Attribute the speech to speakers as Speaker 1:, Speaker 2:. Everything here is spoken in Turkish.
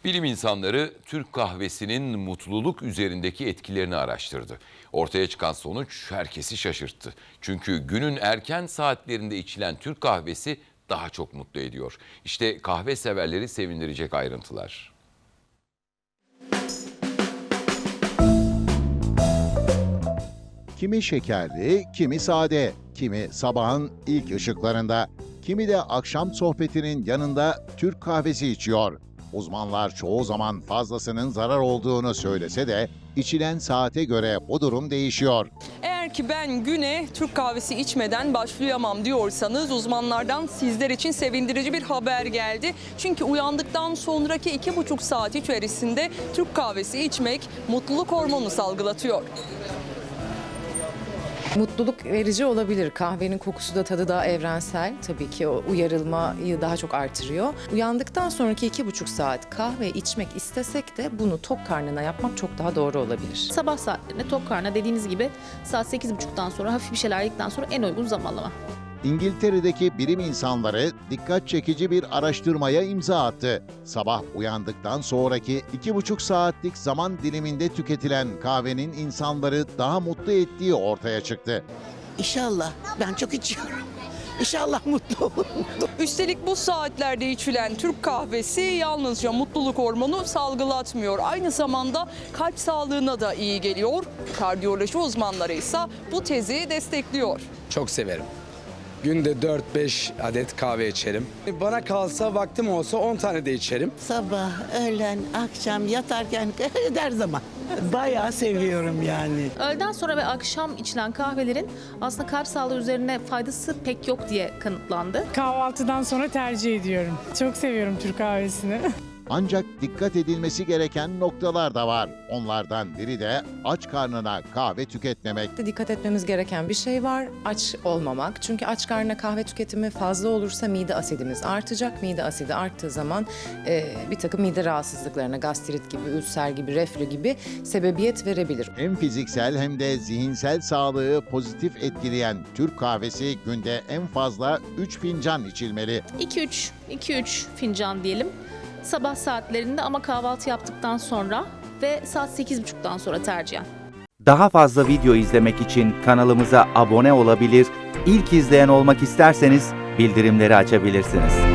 Speaker 1: Bilim insanları Türk kahvesinin mutluluk üzerindeki etkilerini araştırdı. Ortaya çıkan sonuç herkesi şaşırttı. Çünkü günün erken saatlerinde içilen Türk kahvesi daha çok mutlu ediyor. İşte kahve severleri sevindirecek ayrıntılar.
Speaker 2: Kimi şekerli, kimi sade, kimi sabahın ilk ışıklarında, kimi de akşam sohbetinin yanında Türk kahvesi içiyor. Uzmanlar çoğu zaman fazlasının zarar olduğunu söylese de içilen saate göre bu durum değişiyor.
Speaker 3: Eğer ki ben güne Türk kahvesi içmeden başlayamam diyorsanız uzmanlardan sizler için sevindirici bir haber geldi. Çünkü uyandıktan sonraki 2,5 saat içerisinde Türk kahvesi içmek mutluluk hormonu salgılatıyor.
Speaker 4: Mutluluk verici olabilir. Kahvenin kokusu da tadı daha evrensel. Tabii ki o uyarılmayı daha çok artırıyor. Uyandıktan sonraki 2,5 saat kahve içmek istesek de bunu tok karnına yapmak çok daha doğru olabilir.
Speaker 5: Sabah saatlerinde tok karnına dediğiniz gibi saat 8.30'dan sonra hafif bir şeyler yedikten sonra en uygun zamanlama.
Speaker 2: İngiltere'deki bilim insanları dikkat çekici bir araştırmaya imza attı. Sabah uyandıktan sonraki 2,5 saatlik zaman diliminde tüketilen kahvenin insanları daha mutlu ettiği ortaya çıktı.
Speaker 6: İnşallah. Ben çok içiyorum. İnşallah mutlu olurum.
Speaker 3: Üstelik bu saatlerde içilen Türk kahvesi yalnızca mutluluk hormonu salgılatmıyor. Aynı zamanda kalp sağlığına da iyi geliyor. Kardiyoloji uzmanları ise bu tezi destekliyor.
Speaker 7: Çok severim. Günde 4-5 adet kahve içerim. Bana kalsa vaktim olsa 10 tane de içerim.
Speaker 6: Sabah, öğlen, akşam, yatarken her zaman. Bayağı seviyorum yani.
Speaker 5: Öğleden sonra ve akşam içilen kahvelerin aslında kalp sağlığı üzerine faydası pek yok diye kanıtlandı.
Speaker 8: Kahvaltıdan sonra tercih ediyorum. Çok seviyorum Türk kahvesini.
Speaker 2: Ancak dikkat edilmesi gereken noktalar da var. Onlardan biri de aç karnına kahve tüketmemek.
Speaker 4: Dikkat etmemiz gereken bir şey var. Aç olmamak. Çünkü aç karnına kahve tüketimi fazla olursa mide asidimiz artacak. Mide asidi arttığı zaman bir takım mide rahatsızlıklarına, gastrit gibi, ülser gibi, reflü gibi sebebiyet verebilir.
Speaker 2: Hem fiziksel hem de zihinsel sağlığı pozitif etkileyen Türk kahvesi günde en fazla 3 fincan içilmeli.
Speaker 5: 2-3 fincan diyelim. Sabah saatlerinde ama kahvaltı yaptıktan sonra ve saat 8.30'dan sonra tercihen.
Speaker 9: Daha fazla video izlemek için kanalımıza abone olabilir, ilk izleyen olmak isterseniz bildirimleri açabilirsiniz.